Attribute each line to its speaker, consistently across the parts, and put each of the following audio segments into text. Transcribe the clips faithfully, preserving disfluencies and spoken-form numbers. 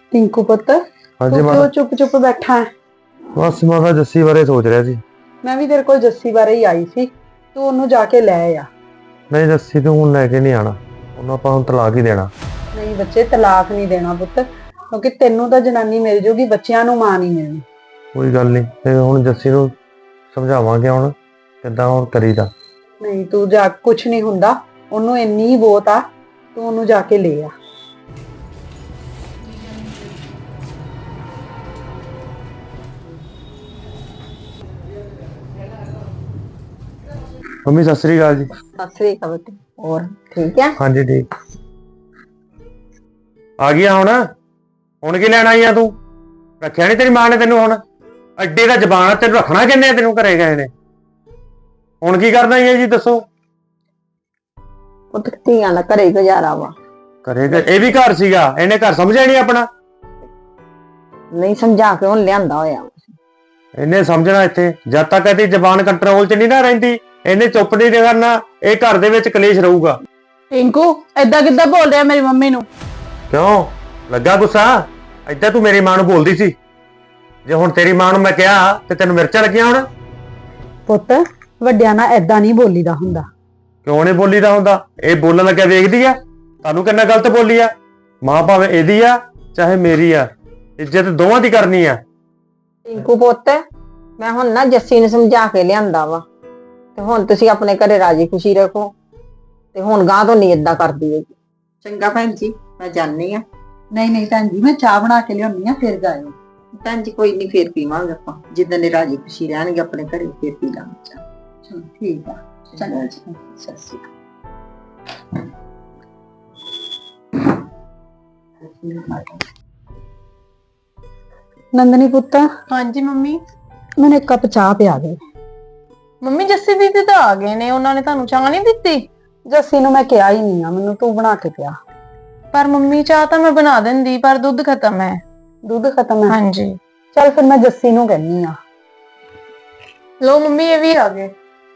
Speaker 1: टिंकू पुत्त
Speaker 2: हाँ
Speaker 1: तू
Speaker 2: जी
Speaker 1: क्यों
Speaker 2: माता।
Speaker 1: चुप चुप बैठा है?
Speaker 2: बस माता जस्सी बारे सोच रहा सी।
Speaker 1: मैं भी तेरे को जस्सी बारे ही आई सी। तू ओनू जाके ले आ।
Speaker 2: नहीं जस्सी तो हूँ लैके नहीं आना, ਉਹਨੂੰ ਆਪਾਂ ਹੁਣ ਤਲਾਕ ਹੀ ਦੇਣਾ।
Speaker 1: नहीं बच्चे तलाक नहीं देना पुत्त, क्योंकि तेनू तो जनानी मिल जूगी, बच्चियां नू मां नहीं मिलनी।
Speaker 2: ਕੋਈ ਗੱਲ ਨਹੀਂ ਤੇ ਹੁਣ ਜੱਸੀ ਨੂੰ ਸਮਝਾਵਾਂਗੇ ਹੁਣ ਕਿੱਦਾਂ ਹੁਣ ਕਰੀਦਾ।
Speaker 1: नहीं तू जा, कुछ नहीं हुंदा, ओनू इन्नी ही बहुत आ, तू ओनू जाके ले आ।
Speaker 2: ਮੰਮੀ ਸਤਿ ਸ੍ਰੀ ਅਕਾਲ ਜੀ।
Speaker 1: सत श्री अकाल बेटे, और ठीक है?
Speaker 2: हाँ जी ठीक। ਆ ਗਿਆ ਹੁਣ ਹੁਣ ਕੀ ਲੈਣ ਆਈ ਆ ਤੂੰ? ਰੱਖਿਆ ਨਹੀਂ ਤੇਰੀ ਮਾਂ ਨੇ ਤੈਨੂੰ? ਹੁਣ ਅੱਡੇ ਦਾ ਜ਼ਬਾਨ ਤੈਨੂੰ ਰੱਖਣਾ ਕਿੰਨੇ ਆ? ਤੈਨੂੰ ਘਰੇ ਗਏ ਨੇ, ਹੁਣ ਕੀ ਕਰਨਾ ਹੈ ਜੀ ਦੱਸੋ?
Speaker 1: ਪੁੱਤ ਧੀਆਂ ਦਾ ਘਰੇ ਗੁਜ਼ਾਰਾ ਵਾ।
Speaker 2: ਘਰੇ ਇਹ ਵੀ ਘਰ ਸੀਗਾ, ਇਹਨੇ ਘਰ ਸਮਝਿਆ ਨਹੀਂ ਆਪਣਾ।
Speaker 1: ਨਹੀਂ ਸਮਝਾ ਕੇ ਹੁਣ ਲਿਆਂਦਾ ਹੋਇਆ।
Speaker 2: ਇਹਨੇ ਸਮਝਣਾ ਇੱਥੇ ਜਦ ਤੱਕ ਇਹਦੀ ਜ਼ਬਾਨ ਕੰਟਰੋਲ 'ਚ ਨਹੀਂ ਨਾ ਰਹਿੰਦੀ, ਇਹਨੇ ਚੁੱਪ ਨਹੀਂ ਕਰਨਾ, ਇਹ ਘਰ ਦੇ ਵਿੱਚ ਕਲੇਸ਼ ਰਹੂਗਾ।
Speaker 1: टिंकू ਏਦਾਂ ਕਿੱਦਾਂ ਬੋਲ ਰਿਹਾ ਮੇਰੀ ਮੰਮੀ ਨੂੰ?
Speaker 2: ਕਿਉਂ ਲੱਗਾ ਗੁੱਸਾ? ਏਦਾਂ ਤੂੰ ਮੇਰੀ ਮਾਂ ਨੂੰ ਬੋਲਦੀ ਸੀ, ਜੇ ਹੁਣ ਤੇਰੀ ਮਾਂ ਨੂੰ ਮੈਂ ਕਿਹਾ ਤੇ ਤੈਨੂੰ ਮਿਰਚਾਂ ਲੱਗੀਆਂ ਹੁਣ?
Speaker 1: ਪੁੱਤ ਵੱਡਿਆਂ ਨਾਲ ਏਦਾਂ ਨਹੀਂ ਬੋਲੀਦਾ ਹੁੰਦਾ।
Speaker 2: ਕਿਉਂ ਨਹੀਂ ਬੋਲੀਦਾ ਹੁੰਦਾ? ਇਹ ਬੋਲਣ ਲੱਗਿਆ ਵੇਖਦੀ ਆ ਤੁਹਾਨੂੰ ਕਿੰਨਾ ਗਲਤ ਬੋਲੀ ਆ। ਮਾਂ ਭਾਵੇਂ ਇਹਦੀ ਆ ਚਾਹੇ ਮੇਰੀ ਆ, ਇੱਜ਼ਤ ਦੋਵਾਂ ਦੀ ਕਰਨੀ ਆ।
Speaker 3: टिंकू पुत्त मैं हुण ना जस्सी ने समझा के लियांदा वा ते हुण तुसीं अपने घरे राजी खुशी रखो ते हुण गां तो नहीं इदां करदी है।
Speaker 4: चंगा भैन जी, मैं जानी आ।
Speaker 1: नहीं नहीं भैन जी, मैं चाह बना के लियानी आ, फिर जायो।
Speaker 4: भैन जी कोई नहीं, फिर पीवांगे आपां, जिद्दन दे राजी खुशी रहणगे अपने घरे, फिर पी लांगे चाह।
Speaker 1: चलो ठीक है, चंगा जी,
Speaker 4: सत श्री अकाल।
Speaker 1: नंदनी पुत्त
Speaker 5: हाँ जी मम्मी।
Speaker 1: मैंने एक कप चाह पिया दे।
Speaker 5: ਮੰਮੀ ਜੱਸੀ ਦੀਦੀ ਤਾਂ ਆ ਗਏ ਨੇ, ਉਹਨਾਂ ਨੇ ਤੁਹਾਨੂੰ ਚਾਹ ਨਹੀਂ ਦਿੱਤੀ?
Speaker 1: जस्सी ਨੂੰ ਮੈਂ ਕਿਹਾ ਹੀ ਨਹੀਂ ਆ, ਮੈਨੂੰ ਤੂੰ ਬਣਾ ਕੇ ਪਿਆ।
Speaker 5: ਪਰ ਮੰਮੀ ਚਾਹ ਤਾਂ ਮੈਂ ਬਣਾ ਦਿੰਦੀ, ਪਰ ਦੁੱਧ ਖਤਮ ਹੈ।
Speaker 1: ਦੁੱਧ ਖਤਮ ਹੈ?
Speaker 5: ਹਾਂਜੀ।
Speaker 1: ਚੱਲ ਫਿਰ ਮੈਂ ਜੱਸੀ ਨੂੰ ਕਹਿੰਨੀ ਆ।
Speaker 5: ਲੋ ਮੰਮੀ ਇਹ ਵੀ ਆ ਗਏ।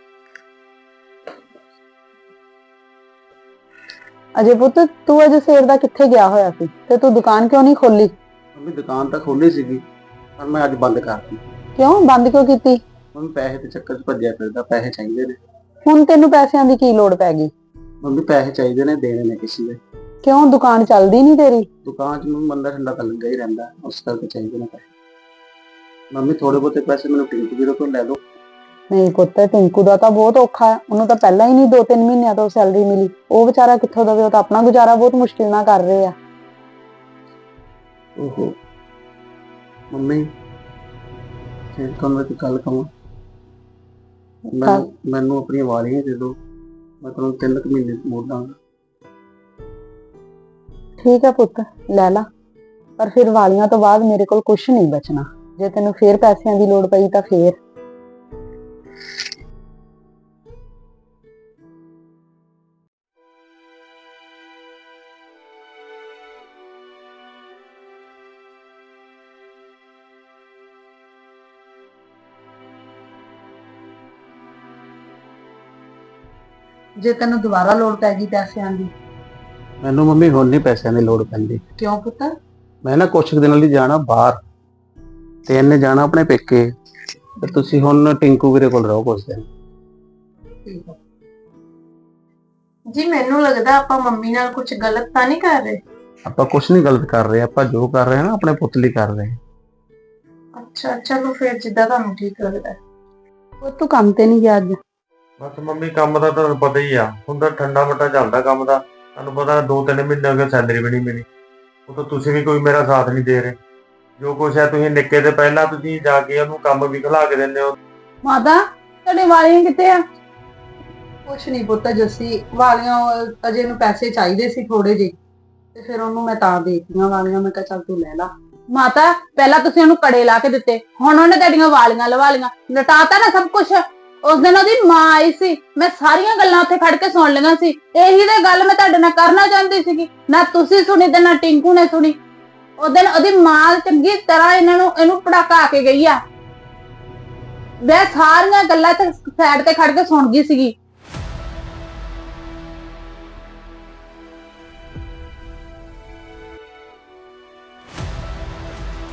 Speaker 1: ਅਜੇ ਪੁੱਤ ਤੂੰ ਅਜੇ ਸਵੇਰ ਦਾ ਕਿੱਥੇ ਗਿਆ ਹੋਇਆ ਸੀ ਤੇ ਤੂੰ ਦੁਕਾਨ ਕਿਉਂ ਨਹੀਂ ਖੋਲੀ?
Speaker 6: ਮੰਮੀ ਦੁਕਾਨ ਤਾਂ ਖੋਲੀ ਸੀਗੀ ਪਰ ਮੈਂ ਅੱਜ ਬੰਦ ਕਰਤੀ।
Speaker 1: ਕਿਉਂ ਬੰਦ ਕਿਉਂ ਕੀਤੀ?
Speaker 6: ਮੰਮੀ ਪੈਸੇ ਦੇ ਚੱਕਰ 'ਚ ਭੱਜਿਆ ਫਿਰਦਾ, ਪੈਸੇ ਚਾਹੀਦੇ ਨੇ।
Speaker 1: ਹੁਣ ਤੈਨੂੰ ਪੈਸਿਆਂ ਦੀ ਕੀ ਲੋੜ ਪੈ ਗਈ?
Speaker 6: ਮੰਮੀ ਪੈਸੇ ਚਾਹੀਦੇ ਨੇ, ਦੇਣੇ ਨੇ ਕਿਸੇ ਦੇ।
Speaker 1: ਕਿਉਂ ਦੁਕਾਨ ਚੱਲਦੀ ਨਹੀਂ ਤੇਰੀ?
Speaker 6: ਦੁਕਾਨ 'ਚ ਮੰਮੀ ਬੰਦਾ ਠੰਡਾ ਤਾਂ ਲੱਗਾ ਹੀ ਰਹਿੰਦਾ, ਉਸ ਕਰਕੇ ਚਾਹੀਦੇ ਨੇ ਪੈਸੇ। ਮੰਮੀ ਥੋੜੇ ਬਹੁਤੇ ਪੈਸੇ ਮੈਨੂੰ ਟਿੰਕੂ ਵੀਰੋ ਤੋਂ ਲੈ ਦਿਓ।
Speaker 1: ਨਹੀਂ ਪੁੱਤ, ਟਿੰਕੂ ਦਾ ਤਾਂ ਬਹੁਤ ਔਖਾ ਹੈ, ਉਹਨੂੰ ਤਾਂ ਪਹਿਲਾਂ ਹੀ ਨਹੀਂ ਦੋ ਤਿੰਨ ਮਹੀਨਿਆਂ ਤੋਂ ਸੈਲਰੀ ਮਿਲੀ, ਉਹ ਵਿਚਾਰਾ ਕਿੱਥੋਂ ਦੇਵੇ? ਉਹ ਤਾਂ ਆਪਣਾ ਗੁਜ਼ਾਰਾ ਬਹੁਤ ਮੁਸ਼ਕਿਲ ਨਾਲ ਕਰ ਰਹੇ ਆ।
Speaker 6: ਓਹੋ ਮੰਮੀ ਫਿਰ ਤੁਹਾਨੂੰ ਇੱਕ ਗੱਲ ਕਹਾਂ, ਮੈਨੂੰ ਮੈਨੂੰ ਆਪਣੀਆਂ ਵਾਲੀਆਂ ਦੇ ਦਿਓ, ਮੈਂ ਤੁਹਾਨੂੰ ਤਿੰਨ ਕੁ ਮਹੀਨੇ ਮੋੜ ਦਾਂਗਾ।
Speaker 1: ਠੀਕ ਹੈ ਪੁੱਤ ਲੈ ਲਾ, ਪਰ ਫਿਰ ਵਾਲੀਆਂ ਤੋਂ ਬਾਅਦ ਮੇਰੇ ਕੋਲ ਕੁਝ ਨਹੀਂ ਬਚਣਾ। ਜੇ ਤੈਨੂੰ ਫੇਰ ਪੈਸਿਆਂ ਦੀ ਲੋੜ ਪਈ ਤਾਂ ਫੇਰ। ਜੇ ਤੈਨੂੰ ਦੁਬਾਰਾ ਲੋੜ ਪੈ ਗਈ ਪੈਸਿਆਂ ਦੀ?
Speaker 6: ਮੈਨੂੰ ਮੰਮੀ ਹੁਣ ਨਹੀਂ ਪੈਸਿਆਂ ਦੀ ਲੋੜ ਪੈਂਦੀ।
Speaker 1: ਕਿਉਂ ਪੁੱਤ?
Speaker 6: ਮੈਂ ਨਾ ਕੁਛ ਕੁ ਦਿਨਾਂ ਲਈ ਜਾਣਾ ਬਾਹਰ ਤੇ ਇਹਨੇ ਜਾਣਾ ਆਪਣੇ ਪੇਕੇ, ਤੇ ਤੁਸੀਂ ਹੁਣ ਟਿੰਕੂ ਵੀਰੇ ਕੋਲ ਰਹੋ ਕੁਛ ਦਿਨ।
Speaker 1: ਠੀਕ ਹੈ
Speaker 5: ਜੀ ਮੈਨੂੰ ਲੱਗਦਾ ਆਪਾਂ ਮੰਮੀ ਨਾਲ ਕੁਝ ਗਲਤ ਤਾਂ ਨਹੀਂ ਕਰ ਰਹੇ।
Speaker 6: ਆਪਾਂ ਕੁਛ ਨਹੀਂ ਗਲਤ ਕਰ ਰਹੇ, ਆਪਾਂ ਜੋ ਕਰ ਰਹੇ ਹਾਂ ਨਾ ਆਪਣੇ ਪੁੱਤ ਲਈ ਕਰ ਰਹੇ ਹਾਂ।
Speaker 5: ਅੱਛਾ ਚਲੋ ਫਿਰ ਜਿੱਦਾਂ ਤੁਹਾਨੂੰ ਠੀਕ ਲੱਗਦਾ।
Speaker 1: ਉਹ ਤੂੰ ਕੰਮ ਤੇ ਨਹੀਂ ਗਿਆ ਅੱਜ?
Speaker 2: ਬਸ ਮੰਮੀ ਕੰਮ ਦਾ ਤੁਹਾਨੂੰ ਪਤਾ ਹੀ ਆ, ਹੁਣ ਤਾਂ ਠੰਡਾ ਮੱਟਾ ਚੱਲਦਾ ਕੰਮ ਦਾ। ਤੁਹਾਨੂੰ ਪਤਾ ਦੋ ਤਿੰਨ ਮਹੀਨੇ ਹੋ ਗਏ ਸੈਲਰੀ ਵੀ ਨਹੀਂ ਮਿਲੀ, ਉਹ ਤਾਂ ਤੁਸੀਂ ਵੀ ਕੋਈ ਮੇਰਾ ਸਾਥ ਨਹੀਂ ਦੇ ਰਹੇ। ਜੋ ਕੁਛ ਹੈ ਤੁਸੀਂ ਨਿੱਕੇ ਦੇ ਪਹਿਲਾਂ ਤੁਸੀਂ ਜਾ ਕੇ ਉਹਨੂੰ ਕੰਮ ਵੀ ਖਿਲਾ ਕੇ ਦਿੰਦੇ ਹੋ।
Speaker 1: ਮਾਤਾ ਤੁਹਾਡੇ ਵਾਲੀਆਂ ਕਿੱਥੇ ਆ? ਕੁਛ ਨਹੀਂ ਪੁੱਤ, ਜੱਸੀ ਵਾਲੀਆਂ ਅਜੇ ਨੂੰ ਪੈਸੇ ਚਾਹੀਦੇ ਸੀ ਥੋੜੇ ਜਿਹੇ, ਤੇ ਫਿਰ ਉਹਨੂੰ ਮੈਂ ਤਾਂ ਦੇਤੀਆਂ ਵਾਲੀਆਂ। ਮੈਂ ਕਿਹਾ ਚੱਲ ਤੂੰ ਲੈ ਲਾ। ਮਾਤਾ ਪਹਿਲਾਂ ਤੁਸੀਂ ਉਹਨੂੰ ਕੜੇ ਲਾ ਕੇ ਦਿੱਤੇ, ਹੁਣ ਉਹਨੇ ਤੁਹਾਡੀਆਂ ਵਾਲੀਆਂ ਲਵਾ ਲੀਆਂ, ਲਟਾਤਾ ਨਾ ਸਭ ਕੁਛ। ਉਸ ਦਿਨ ਉਹਦੀ ਮਾਂ ਆਈ ਸੀ, ਮੈਂ ਸਾਰੀਆਂ ਗੱਲਾਂ ਉੱਥੇ ਖੜ ਕੇ ਸੁਣ ਲਈਆਂ ਸੀ। ਇਹੀ ਤੇ ਗੱਲ ਮੈਂ ਤੁਹਾਡੇ ਨਾਲ ਕਰਨਾ ਚਾਹੁੰਦੀ ਸੀਗੀ, ਨਾ ਤੁਸੀਂ ਸੁਣੀ ਤੇ ਨਾ ਟਿੰਕੂ ਨੇ ਸੁਣੀ। ਉਸ ਦਿਨ ਉਹਦੀ ਮਾਂ ਚੰਗੀ ਤਰ੍ਹਾਂ ਇਹਨਾਂ ਨੂੰ ਇਹਨੂੰ ਪੜਾਕਾ ਕੇ ਗਈ ਆ, ਮੈਂ ਸਾਰੀਆਂ ਗੱਲਾਂ ਤੇ ਸਾਈਡ ਤੇ ਖੜ ਕੇ ਸੁਣ ਗਈ ਸੀਗੀ।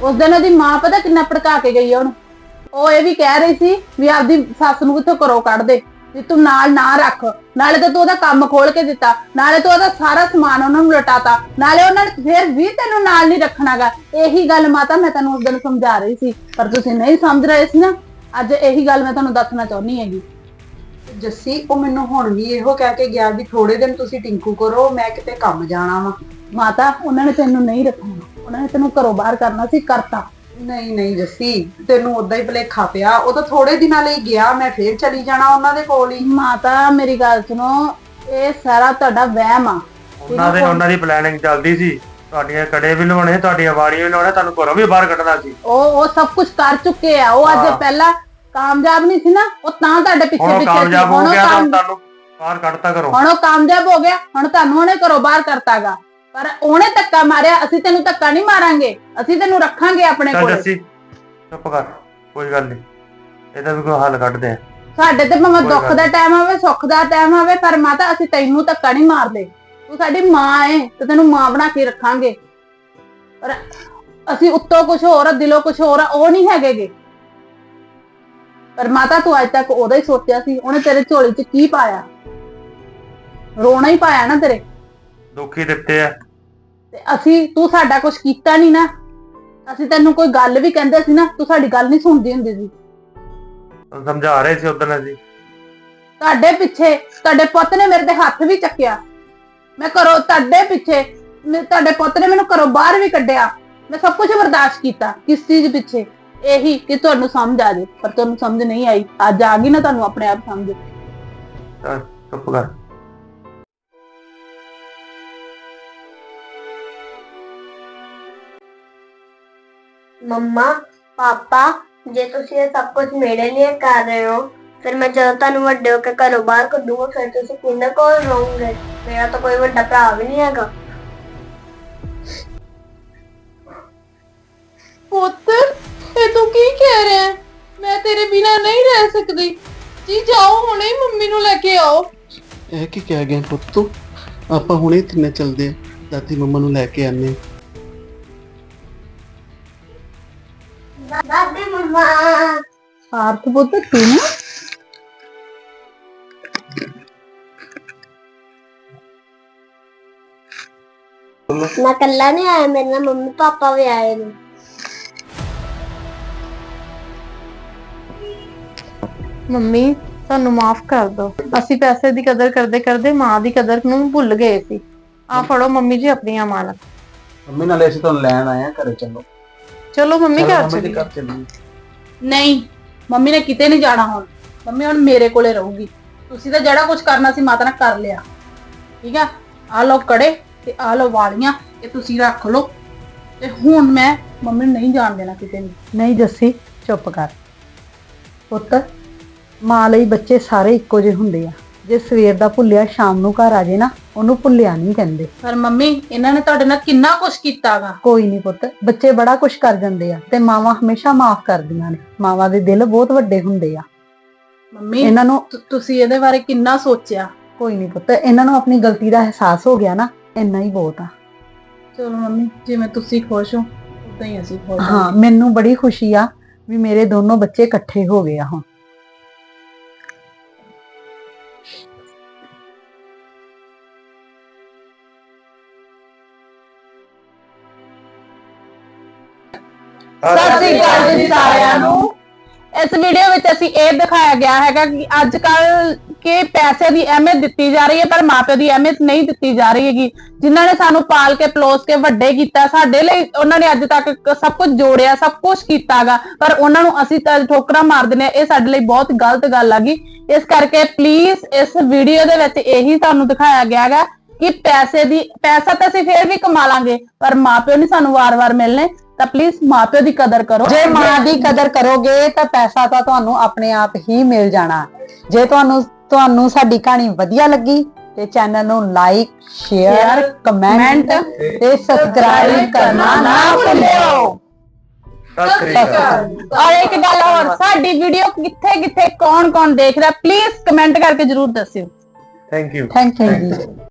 Speaker 1: ਉਸ ਦਿਨ ਉਹਦੀ ਮਾਂ ਪਤਾ ਕਿੰਨਾ ਭੜਕਾ ਕੇ ਗਈ ਆ ਉਹਨੂੰ। ਉਹ ਇਹ ਵੀ ਕਹਿ ਰਹੀ ਸੀ ਵੀ ਆਪਦੀ ਸੱਸ ਨੂੰ ਕਿੱਥੋਂ ਘਰੋਂ ਕੱਢ ਦੇ, ਵੀ ਤੂੰ ਨਾਲ ਨਾ ਰੱਖ, ਨਾਲੇ ਤਾਂ ਤੂੰ ਉਹਦਾ ਕੰਮ ਖੋਲ ਕੇ ਦਿੱਤਾ, ਨਾਲੇ ਤੂੰ ਉਹਦਾ ਸਾਰਾ ਸਮਾਨ ਉਹਨਾਂ ਨੂੰ ਲਟਾਤਾ, ਨਾਲੇ ਉਹਨਾਂ ਨੇ ਫਿਰ ਵੀ ਤੈਨੂੰ ਨਾਲ ਨਹੀਂ ਰੱਖਣਾਗਾ। ਇਹੀ ਗੱਲ ਮਾਤਾ ਮੈਂ ਤੈਨੂੰ ਉਸ ਦਿਨ ਸਮਝਾ ਰਹੀ ਸੀ, ਪਰ ਤੁਸੀਂ ਨਹੀਂ ਸਮਝ ਰਹੇ ਸੀ ਨਾ। ਅੱਜ ਇਹੀ ਗੱਲ ਮੈਂ ਤੁਹਾਨੂੰ ਦੱਸਣਾ ਚਾਹੁੰਦੀ ਹੈਗੀ।
Speaker 7: ਜੱਸੀ ਉਹ ਮੈਨੂੰ ਹੁਣ ਵੀ ਇਹੋ ਕਹਿ ਕੇ ਗਿਆ ਵੀ ਥੋੜੇ ਦਿਨ ਤੁਸੀਂ ਟਿੰਕੂ ਕਰੋ, ਮੈਂ ਕਿਤੇ ਕੰਮ ਜਾਣਾ ਵਾ।
Speaker 1: ਮਾਤਾ ਉਹਨਾਂ ਨੇ ਤੈਨੂੰ ਨਹੀਂ ਰੱਖਣਾ, ਉਹਨਾਂ ਨੇ ਤੈਨੂੰ ਘਰੋਂ ਬਾਹਰ ਕਰਨਾ ਸੀ, ਕਰਤਾ।
Speaker 7: ਨਹੀਂ ਨਹੀਂ ਜੱਸੀ, ਤੈਨੂੰ ਉਦਾਂ ਹੀ ਭੁਲੇਖਾ ਪਿਆ। ਉਹ ਤਾਂ ਥੋੜੇ ਦਿਨਾਂ ਲਈ ਗਿਆ, ਮੈਂ ਫੇਰ ਚਲੀ ਜਾਣਾ ਉਹਨਾਂ ਦੇ ਕੋਲ ਹੀ।
Speaker 1: ਮਾਤਾ ਮੇਰੀ ਗੱਲ ਸੁਣੋ, ਇਹ ਸਾਰਾ ਤੁਹਾਡਾ ਵਹਿਮ ਆ।
Speaker 2: ਉਹਨਾਂ ਦੇ ਉਹਨਾਂ ਦੀ ਪਲੈਨਿੰਗ ਚੱਲਦੀ ਸੀ, ਤੁਹਾਡੀਆਂ ਕੜੇ ਵੀ ਲਵਾਉਣੇ, ਤੁਹਾਡੀਆਂ ਵਾਲੀਆਂ ਵੀ ਲਾਉਣੇ, ਤੁਹਾਨੂੰ ਘਰੋਂ ਵੀ ਬਾਹਰ ਕੱਢਣਾ ਸੀ।
Speaker 1: ਉਹ ਉਹ ਸਭ ਕੁਝ ਕਰ ਚੁੱਕੇ ਆ। ਉਹ ਅੱਜ
Speaker 2: ਹਾਂ।
Speaker 1: ਪਹਿਲਾਂ ਕਾਮਯਾਬ ਨਹੀਂ ਸੀ ਨਾ, ਉਹ ਤਾਂ ਤੁਹਾਡੇ ਪਿੱਛੇ
Speaker 2: ਹੁਣ ਉਹ
Speaker 1: ਪਿੱਛੇ ਸੀ।
Speaker 2: ਕਾਮਯਾਬ ਹੋ
Speaker 1: ਹੁਣ ਉਹ
Speaker 2: ਗਿਆ ਤਾਂ
Speaker 1: ਕਾਮ-
Speaker 2: ਤੁਹਾਨੂੰ ਬਾਹਰ ਕੱਢਤਾ ਘਰੋਂ।
Speaker 1: ਹੁਣ ਉਹ ਕਾਮਯਾਬ ਹੋ ਗਿਆ, ਹੁਣ ਤੁਹਾਨੂੰ ਉਹਨੇ ਘਰੋਂ ਬਾਹਰ ਕਰਤਾਗਾ। ਪਰ ਉਹਨੇ ਧੱਕਾ ਮਾਰਿਆ, ਅਸੀਂ ਤੈਨੂੰ ਧੱਕਾ ਨਹੀਂ ਮਾਰਾਂਗੇ, ਅਸੀਂ ਤੈਨੂੰ ਰੱਖਾਂਗੇ ਆਪਣੇ
Speaker 2: ਚੱਲ
Speaker 1: ਕੋਲ।
Speaker 2: ਜੱਸੀ ਚੁੱਪ ਕਰ, ਕੋਈ ਗੱਲ ਨਹੀਂ, ਇਹਦਾ ਵੀ ਕੋਈ ਹੱਲ ਕੱਢਦੇ ਆ।
Speaker 1: ਸਾਡੇ ਤੇ ਭਾਵੇਂ
Speaker 2: ਕੋਈ
Speaker 1: ਦੁੱਖ
Speaker 2: ਗੱਲ
Speaker 1: ਦਾ ਟਾਈਮ ਆਵੇ, ਸੁੱਖ ਦਾ ਟਾਈਮ ਆਵੇ, ਪਰ ਮਾਤਾ ਅਸੀਂ ਤੈਨੂੰ ਧੱਕਾ ਨਹੀਂ ਮਾਰਦੇ। ਤੂੰ ਸਾਡੀ ਮਾਂ ਏ ਤੇ ਤੈਨੂੰ ਮਾਂ ਬਣਾ ਕੇ ਰੱਖਾਂਗੇ। ਪਰ ਅਸੀਂ ਉੱਤੋਂ ਕੁਝ ਹੋਰ ਆ, ਦਿਲੋਂ ਕੁਝ ਹੋਰ ਆ, ਉਹ ਨਹੀਂ ਹੈਗੇਗੇ। ਪਰ ਮਾਤਾ ਤੂੰ ਅੱਜ ਤੱਕ ਉਹਦਾ ਹੀ ਸੋਚਿਆ ਸੀ, ਉਹਨੇ ਤੇਰੇ ਝੋਲੀ 'ਚ ਕੀ ਪਾਇਆ? ਰੋਣਾ ਹੀ ਪਾਇਆ ਨਾ ਤੇਰੇ।
Speaker 2: ਦੁੱਖ ਹੀ ਦਿੱਤੇ ਆ।
Speaker 1: ਤੇ ਅਸੀਂ, ਤੂੰ ਸਾਡਾ ਕੁਝ ਕੀਤਾ ਨਹੀਂ ਨਾ। ਅਸੀਂ ਤੈਨੂੰ ਕੋਈ ਗੱਲ ਵੀ ਕਹਿੰਦੇ ਸੀ ਨਾ, ਤੂੰ ਸਾਡੀ ਗੱਲ ਨਹੀਂ ਸੁਣਦੀ ਹੁੰਦੀ ਸੀ।
Speaker 2: ਤੁਹਾਨੂੰ ਸਮਝਾ ਰਹੇ ਸੀ ਉਦੋਂ ਅਸੀਂ।
Speaker 1: ਤੁਹਾਡੇ ਪਿੱਛੇ ਤੁਹਾਡੇ ਪੁੱਤ ਨੇ ਮੇਰੇ ਤੇ ਹੱਥ ਵੀ ਚੱਕਿਆ। ਮੈਂ ਘਰੋਂ ਤੁਹਾਡੇ ਪਿੱਛੇ, ਮੈਂ- ਤੁਹਾਡੇ ਪੁੱਤ ਨੇ ਮੈਨੂੰ ਘਰੋਂ ਬਾਹਰ ਵੀ ਕੱਢਿਆ। ਮੈਂ ਸਭ ਕੁਝ ਬਰਦਾਸ਼ਤ ਕੀਤਾ, ਕਿਸ ਚੀਜ਼ ਪਿੱਛੇ? ਇਹੀ ਕਿ ਤੁਹਾਨੂੰ ਸਮਝ ਆ ਜੇ, ਪਰ ਤੁਹਾਨੂੰ ਸਮਝ ਨਹੀਂ ਆਈ। ਅੱਜ ਆ ਗਈ ਨਾ ਤੁਹਾਨੂੰ ਆਪਣੇ ਆਪ ਸਮਝ।
Speaker 2: ਚੱਲ ਚੁੱਪ ਕਰ।
Speaker 8: ਮੰਮਾ ਪਾਪਾ, ਜੇ ਤੁਸੀਂ ਇਹ ਸਭ ਕੁਝ ਮੇਰੇ ਲਈ ਕਰ ਰਹੇ ਹੋ, ਫਿਰ ਮੈਂ ਜਦੋਂ ਤੁਹਾਨੂੰ ਵੱਡੇ ਹੋ ਕੇ ਘਰੋਂ ਬਾਹਰ ਕੱਢੂਗਾ, ਫਿਰ ਤੁਸੀਂ ਕਿਹਦੇ ਕੋਲ ਰਹੋਗੇ? ਮੇਰਾ ਤਾਂ ਕੋਈ ਵੱਡਾ ਭਰਾ ਵੀ ਨਹੀਂ ਹੈਗਾ।
Speaker 5: ਪੁੱਤ ਇਹ ਤੂੰ ਕੀ ਕਹਿ ਰਿਹਾ ਹੈ? ਮੈਂ ਤੇਰੇ ਬਿਨਾ ਨਹੀਂ ਰਹਿ ਸਕਦੀ। ਜੀ ਜਾਓ ਹੁਣੇ ਹੀ ਮੰਮੀ ਨੂੰ ਲੈ ਕੇ ਆਓ।
Speaker 6: ਇਹ ਕੀ ਕਹਿ ਗਿਆ ਪੁੱਤ ਤੂੰ? ਆਪਾਂ ਹੁਣੇ ਤਿੰਨੇ ਚੱਲਦੇ ਆ, ਦਾਦੀ ਮੰਮਾ ਨੂੰ ਲੈ ਕੇ ਆਨੇ।
Speaker 8: ਦਾਦੀ ਮੰਮਾ,
Speaker 1: ਆਰਥ ਪੁੱਤ ਤੂੰ
Speaker 8: ਮੈਂ ਕੱਲਾ ਨਹੀਂ ਆਇਆ, ਮੇਰੇ ਨਾਲ ਮੰਮੀ ਪਾਪਾ ਵੀ ਆਏ ਨੇ।
Speaker 5: ਮੰਮੀ ਸਾਨੂੰ ਮਾਫ ਕਰ ਦਿਓ, ਅਸੀਂ ਪੈਸੇ ਦੀ ਕਦਰ ਕਰਦੇ ਕਰਦੇ ਮਾਂ ਦੀ ਕਦਰ ਨੂੰ ਭੁੱਲ ਗਏ ਸੀ। ਆ ਫੜੋ ਮੰਮੀ ਜੀ ਆਪਣੀਆਂ ਮਾਲਾ।
Speaker 6: ਮੰਮੀ ਨਾਲੇ ਅਸੀਂ ਤੁਹਾਨੂੰ ਲੈਣ ਆਏ ਆ, ਘਰੇ ਚੱਲੋ।
Speaker 5: ਚਲੋ ਮੰਮੀ ਘਰ
Speaker 6: ਮੰਮੀ ਦੇ
Speaker 5: ਚੱਲੀਏ।
Speaker 6: ਘਰ ਚੱਲੀਏ।
Speaker 1: ਨਹੀਂ, ਮੰਮੀ ਨੇ ਕਿਤੇ ਨਹੀਂ ਜਾਣਾ। ਹੁਣ ਮੰਮੀ ਹੁਣ ਮੇਰੇ ਕੋਲੇ ਰਹੂਗੀ। ਤੁਸੀਂ ਤਾਂ ਜਿਹੜਾ ਕੁਝ ਕਰਨਾ ਸੀ ਮਾਤਾ ਨੇ ਕਰ ਲਿਆ, ਠੀਕ ਆ? ਆ ਲਓ ਕੜੇ ਤੇ ਆ ਲਓ ਵਾਲੀਆਂ, ਇਹ ਤੁਸੀਂ ਰੱਖ ਲਓ। ਤੇ ਹੁਣ ਮੈਂ ਮੰਮੀ ਨੂੰ ਨਹੀਂ ਜਾਣ ਦੇਣਾ ਕਿਤੇ ਨਹੀਂ।
Speaker 7: ਨਹੀਂ ਜੱਸੀ ਚੁੱਪ ਕਰ ਪੁੱਤ, ਮਾਂ ਲਈ ਬੱਚੇ ਸਾਰੇ ਇੱਕੋ ਜਿਹੇ ਹੁੰਦੇ ਆ। ਜੇ ਸਵੇਰ ਦਾ ਭੁੱਲਿਆ ਸ਼ਾਮ ਨੂੰ ਘਰ ਆ ਜੇ ਨਾ, ਉਹਨੂੰ ਭੁੱਲਿਆ ਨਹੀਂ ਕਹਿੰਦੇ।
Speaker 1: ਪਰ ਮੰਮੀ ਇਹਨਾਂ ਨੇ ਤੁਹਾਡੇ ਨਾਲ ਕਿੰਨਾ ਕੁਝ ਕੀਤਾਗਾ।
Speaker 7: ਕੋਈ ਨਹੀਂ ਪੁੱਤ, ਬੱਚੇ ਬੜਾ ਕੁਝ ਕਰ ਜਾਂਦੇ ਆ ਤੇ ਮਾਵਾਂ ਹਮੇਸ਼ਾ ਮਾਫ ਕਰਦੀਆਂ ਨੇ। ਮਾਵਾਂ ਦੇ ਦਿਲ ਬਹੁਤ ਵੱਡੇ ਹੁੰਦੇ ਆ।
Speaker 1: ਮੰਮੀ
Speaker 7: ਇਹਨਾਂ ਨੂੰ
Speaker 1: ਤੁ- ਤੁਸੀਂ ਇਹਦੇ ਬਾਰੇ ਕਿੰਨਾ ਸੋਚਿਆ?
Speaker 7: ਕੋਈ ਨਹੀਂ ਪੁੱਤ, ਇਹਨਾਂ ਨੂੰ ਆਪਣੀ ਗਲਤੀ ਦਾ ਅਹਿਸਾਸ ਹੋ ਗਿਆ ਨਾ, ਇੰਨਾ ਹੀ ਬਹੁਤ ਆ।
Speaker 1: ਚਲੋ ਮੰਮੀ, ਜਿਵੇਂ ਤੁਸੀਂ ਖੁਸ਼ ਹੋ ਉਦਾਂ ਹੀ ਅਸੀਂ ਖੁਸ਼ ਹਾਂ।
Speaker 7: ਹਾਂ, ਮੈਨੂੰ ਬੜੀ ਖੁਸ਼ੀ ਆ ਵੀ ਮੇਰੇ ਦੋਨੋਂ ਬੱਚੇ ਇਕੱਠੇ ਹੋ ਗਏ ਆ ਹੁਣ।
Speaker 1: ਸਤਿ ਸ੍ਰੀ ਅਕਾਲ ਜੀ ਸਾਰਿਆਂ ਨੂੰ। ਇਸ ਵੀਡੀਓ ਵਿੱਚ ਅਸੀਂ ਇਹ ਦਿਖਾਇਆ ਗਿਆ ਹੈਗਾ ਕਿ ਅੱਜ ਕੱਲ ਕਿ ਪੈਸੇ ਦੀ ਅਹਿਮੀਅਤ ਦਿੱਤੀ ਜਾ ਰਹੀ ਹੈ, ਪਰ ਮਾਪਿਆਂ ਦੀ ਅਹਿਮੀਅਤ ਨਹੀਂ ਦਿੱਤੀ ਜਾ ਰਹੀ ਹੈਗੀ। ਜਿਨ੍ਹਾਂ ਨੇ ਸਾਨੂੰ ਪਾਲ ਕੇ ਪਲੋਸ ਕੇ ਵੱਡੇ ਕੀਤਾ, ਸਾਡੇ ਲਈ ਉਹਨਾਂ ਨੇ ਅੱਜ ਤੱਕ ਸਭ ਕੁਝ ਜੋੜਿਆ, ਸਭ ਕੁਝ ਕੀਤਾਗਾ, ਪਰ ਉਹਨਾਂ ਨੂੰ ਅਸੀਂ ਤਾਂ ਠੋਕਰਾਂ ਮਾਰ ਦਿੰਦੇ ਹਾਂ। ਇਹ ਸਾਡੇ ਲਈ ਬਹੁਤ ਗਲਤ ਗੱਲ ਹੈਗੀ। ਇਸ ਕਰਕੇ ਪਲੀਜ਼ ਇਸ ਵੀਡੀਓ ਦੇ ਵਿੱਚ ਇਹੀ ਤੁਹਾਨੂੰ ਦਿਖਾਇਆ ਗਿਆ ਹੈਗਾ ਕਿ ਪੈਸੇ ਦੀ ਪੈਸਾ ਤਾਂ ਅਸੀਂ ਫੇਰ ਵੀ ਕਮਾ ਲਾਂਗੇ, ਪਰ ਮਾਪਿਓ ਨਹੀਂ ਸਾਨੂੰ ਵਾਰ-ਵਾਰ ਮਿਲਣੇ। ਤਾਂ ਪਲੀਜ਼ ਮਾਪਿਓ ਦੀ ਕਦਰ ਕਰੋ।
Speaker 7: ਜੇ ਮਾਂ ਦੀ ਕਦਰ ਕਰੋਗੇ ਤਾਂ ਪੈਸਾ ਤਾਂ ਤੁਹਾਨੂੰ ਆਪਣੇ ਆਪ ਹੀ ਮਿਲ ਜਾਣਾ। ਜੇ ਤੁਹਾਨੂੰ ਤੁਹਾਨੂੰ ਸਾਡੀ ਕਹਾਣੀ ਵਧੀਆ ਲੱਗੀ ਤੇ ਚੈਨਲ ਨੂੰ ਲਾਈਕ, ਸ਼ੇਅਰ, ਕਮੈਂਟ ਤੇ ਸਬਸਕ੍ਰਾਈਬ ਕਰਨਾ ਨਾ ਭੁੱਲਿਓ।
Speaker 2: ਸਤਿ ਸ੍ਰੀ ਅਕਾਲ।
Speaker 1: ਔਰ ਇੱਕ ਗੱਲ ਹੋਰ, ਸਾਡੀ ਵੀਡੀਓ ਕਿੱਥੇ ਕਿੱਥੇ ਕੌਣ ਕੌਣ ਦੇਖ ਰਿਹਾ, ਪਲੀਜ਼ ਕਮੈਂਟ ਕਰਕੇ ਜਰੂਰ ਦੱਸਿਓ।
Speaker 2: Thank you.
Speaker 7: ਥੈਂਕ ਯੂ ਜੀ।